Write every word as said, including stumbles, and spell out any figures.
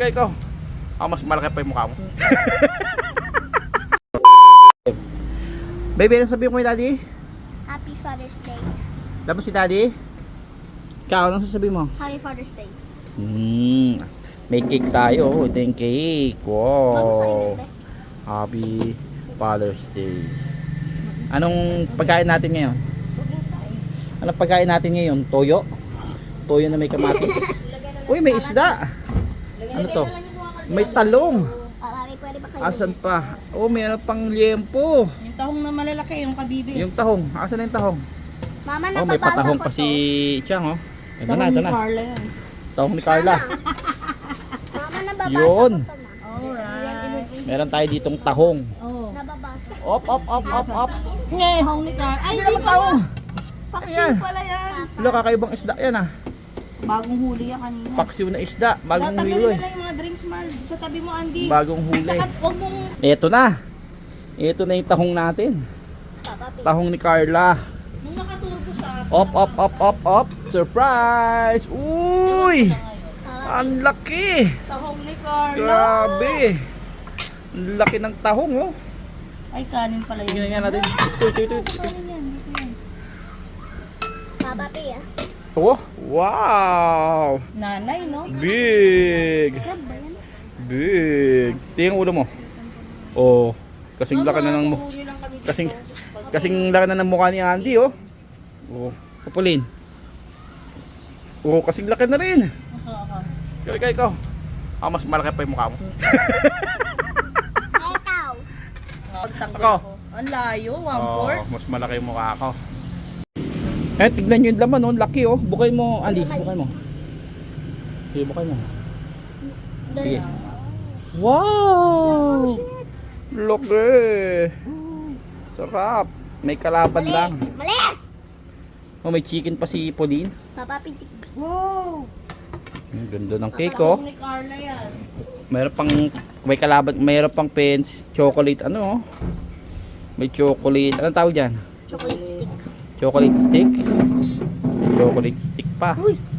Ikaw, ikaw. Ako mas malaki pa yung mukha mo. Baby, ano sabihin ko kay daddy? Happy Father's Day. Dapat si daddy? Ikaw, anong sasabihin mo? Happy Father's Day. Hmm, may cake tayo. Ito yung cake. Bago sa Wow. inyo, Happy Father's Day. Anong pagkain natin ngayon? Anong pagkain natin ngayon? Toyo? Toyo na may kamatis. Uy, may isda. Ano to? May talong. Ah, mami, pwede ba kayo? Asan pa? Oh, mayroon pang liempo. Yung tahong na malalaki, yung kabibi. Yung tahong. Asan na yung tahong? Mama, Oh, may napabasa patahong ko pa to. si Chang, oh. Ito tahong na, ito ni na. Carla yan. Tahong ni Carla. Mama, nababasa Yun. ko to, ma. Alright. Meron tayo ditong tahong. Oh. Nababasa. Op, op, op, op, op. Tahong ni Carla. Ay, Hindi hindi naman tahong. pala. Paksiw Ayan. pala yan. Wala, kakaibang isda yan, ah. Bagong huli yan kanina. Paksiw na isda. Bagong Tatagalin huli. na lang yung mga drinks, mal. Sa tabi mo, Andy. Bagong huli. Saka, huwag mong... Ito na. Ito na yung tahong natin. Papa, pi- Tahong ni Carla. Nung nakaturbo siya. Op, op, op, op, op. Surprise! Uy! Papa, Ang laki! Tahong ni Carla. Grabe! Ang laki ng tahong, oh. Ay, kanin pala yun. Tingnan nga natin. Ito, ito, ito, ito. Kanin yan, dito yan. Papa, pi, ah. Oh, wow! Nanay, no? Big! Crab ba yan? Big! Tingnan ulo mo. Oh, kasing laki na ng mo. Huli lang kami dito. Kasing kasing laki na ng mukha ni Andy, oh. Oh, kapulin. Oh, kasing laki na rin. Oo, Ikaw, ikaw, ikaw. Ako mas malaki pa yung mukha mo. Ay, ikaw. Pagtanggol Ako. ko. Ang layo, one Oh, fourth. mas malaki yung mukha ko. Eh, tignan nyo yung laman, oh. Laki, oh. Bukay mo, Andy. Bukay mo. Sige, bukay mo. Sige. Wow! Laki! Sarap. May kalaban lang. Malis! Oh, may chicken pa si Pauline. Papa, pi, tik- Wow! Ang ganda ng cake, oh. Tahong ni Carla yan. Mayroon pang may kalaban, mayroon pang pens, chocolate ano, oh. May chocolate, anong tawag diyan? chocolate stick. Chocolate stick. May chocolate stick pa. Uy!